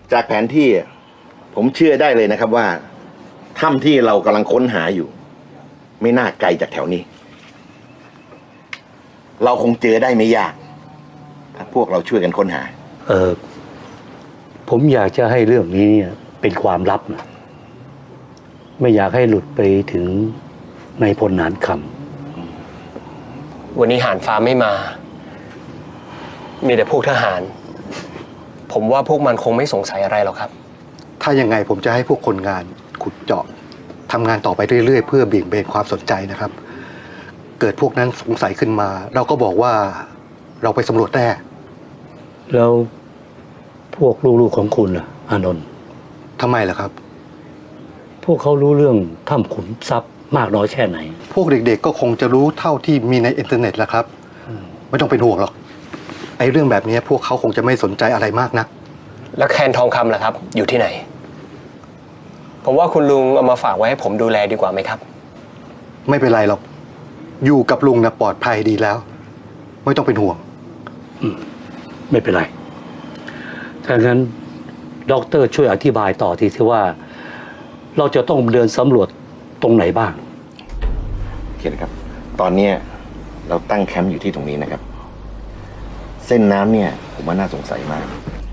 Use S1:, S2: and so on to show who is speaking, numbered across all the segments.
S1: จากแผนที่ผมเชื่อได้เลยนะครับว่าถ้ำที่เรากำลังค้นหาอยู่ ไม่น่าไกลจากแถวนี้ เราคงเจอได้ไม่ยากถ้าพวกเราช่วยกันค้นหา
S2: ผมอยากจะให้เรื่องนี้เป็นความลับนะไม่อยากให้หลุดไปถึงนายพลหนานค
S3: วันนี้หานฟ้าไม่มา มีแต่พวกทหาร ผมว่าพวกมันคงไม่สงสัยอะไรหรอกครับ
S4: ถ้ายังไงผมจะให้พวกคนงานขุดเจาะทำงานต่อไปเรื่อยๆเพื่อเบี่ยงเบนความสนใจนะครับ เกิดพวกนั้นสงสัยขึ้นมา เราก็บอกว่าเราไปสำรวจแร่
S2: ำแล้วพวกลูกๆของคุณล่ะอานนท์
S4: ทำไมล่ะครับ
S2: พวกเขารู้เรื่องถ้ำขุนทรัพย์มากน้อยแค่ไหน
S4: พวกเด็กๆก็คงจะรู้เท่าที่มีในอินเทอร์เน็ตแหละครับไม่ต้องเป็นห่วงหรอกไอ้เรื่องแบบนี้พวกเขาคงจะไม่สนใจอะไรมากนัก
S3: แล้วแคนทองคำล่ะครับ อยู่ที่ไหน ผมว่าคุณลุงเอามาฝากไว้ให้ผมดูแลดีกว่าไหมครับ
S4: ไม่เป็นไรหรอกอยู่กับลุงนะปลอดภัยดีแล้ว ไม่ต้องเป็นห่วง
S2: ไม่เป็นไรถ้างั้นด็อกเตอร์ช่วยอธิบายต่อทีที่ว่า เราจะต้องเดินสำรวจตรงไหนบ้าง
S1: เขียนครับ ตอนเนี้ยเราตั้งแคมป์อยู่ที่ตรงนี้นะครับ เส้นน้ำเนี่ยผมว่าน่าสงสัยมาก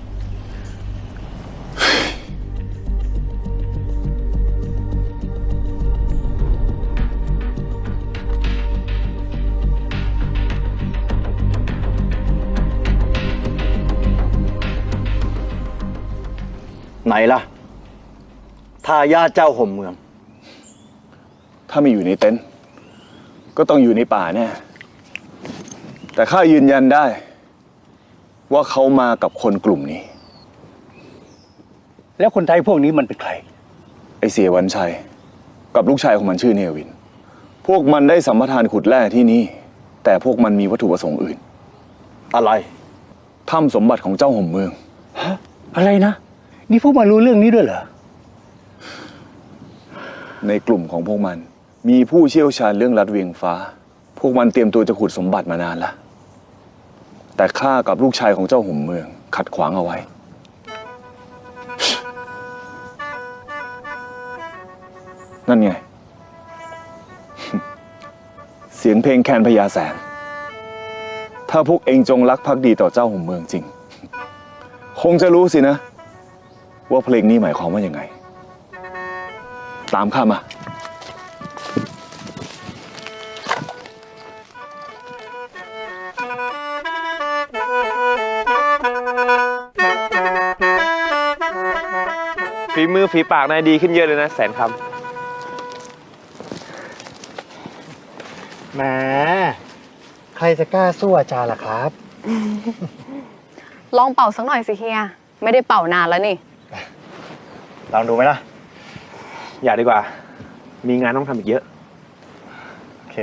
S5: ไหนล่ะทายาทเจ้าห่มเมือง
S6: ถ้าไม่อยู่ในเต็นท์ก็ต้องอยู่ในป่าแน่แต่ข้ายืนยันได้ ว่าเขามากับคนกลุ่มนี้
S5: แล้วคนไทยพวกนี้มันเป็นใคร
S6: ไอเสียวันชัย กับลูกชายของมันชื่อเนวิน พวกมันได้สัมปทานขุดแร่ที่นี่ แต่พวกมันมีวัตถุประสงค์อื่น
S5: อะไร
S6: ถ้ำสมบัติของเจ้าห่มเมือง
S5: อะไรนะ นี่พวกมันรู้เรื่องนี้ด้วยเหรอ
S6: ในกลุ่มของพวกมัน มีผู้เชี่ยวชาญเรื่องลัดเวียงฟ้า พวกมันเตรียมตัวจะขุดสมบัติมานานแล้วแต่ข้ากับลูกชายของเจ้าห่มเมือง ขัดขวางเอาไว้ นั่นไง เสียงเพลงแคนพญาแสน ถ้าพวกเองจงรักภักดีต่อเจ้าห่มเมืองจริง คงจะรู้สินะ ว่าเพลงนี้หมายความว่ายังไง ตามข้ามา
S7: ฝีมือฝีปากนายดีขึ้นเยอะเลยนะแสนคำ
S8: แหมใครจะกล้าสู้อาจารย์ล่ะครับ
S9: ลองเป่าสักหน่อยสิเฮีย ไม่ได้เป่านานแล้วนี่
S7: ลองดูไหมล่ะ อย่าดีกว่า มีงานต้องทำอีกเยอะ
S8: โอเค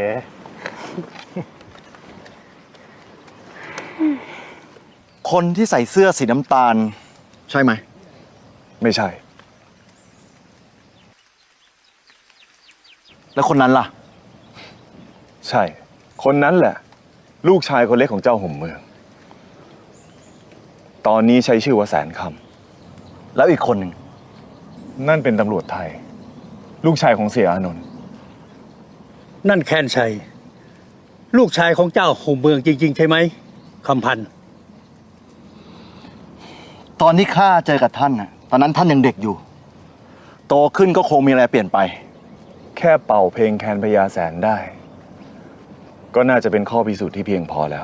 S5: คนที่ใส่เสื้อสีน้ำตาล ใช่ไหม
S6: ไม่ใช่
S5: แล้วคนนั้นล่ะ
S6: ใช่ คนนั้นแหละ ลูกชายคนเล็กของเจ้าห่มเมือง ตอนนี้ใช้ชื่อว่าแสนค
S5: แล้วอีกคนหนึ่ง
S6: ำนั่นเป็นตำรวจไทย ลูกชายของเสียอานนท์
S2: นั่นแคนชัย ลูกชายของเจ้าห่มเมืองจริงๆใช่ไหมคำพันธ์
S5: ตอนที่ข้าเจอกับท่านน่ะ ตอนนั้นท่านยังเด็กอยู่ โตขึ้นก็คงมีอะไรเปลี่ยนไป
S6: แค่เป่าเพลงแคนพญาแสนได้ ก็น่าจะเป็นข้อพิสูจน์ที่เพียงพอแล้ว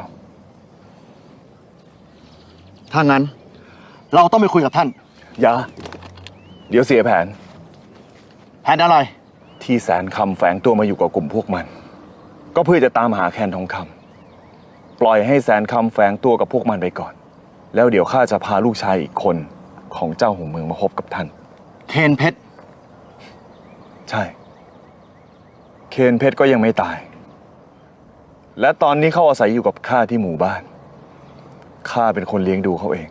S5: ถ้างั้น เราต้องไปคุยกับท่าน
S6: อย่า เดี๋ยวเสียแผน
S5: แผนอะไร
S6: ที่แสนคำแฝงตัวมาอยู่กับกลุ่มพวกมัน ก็เพื่อจะตามหาแคนทองคำปล่อยให้แสนคำแฝงตัวกับพวกมันไปก่อน แล้วเดี๋ยวข้าจะพาลูกชายอีกคนของเจ้าห่มเมืองมาพบกับท่าน
S5: เคนเพชร
S6: ใช่ เคนเพชรก็ยังไม่ตาย และตอนนี้เขาอาศัยอยู่กับข้าที่หมู่บ้าน ข้าเป็นคนเลี้ยงดูเขาเอง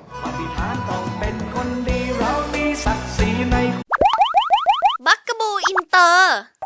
S10: บักกะบูอินเตอร์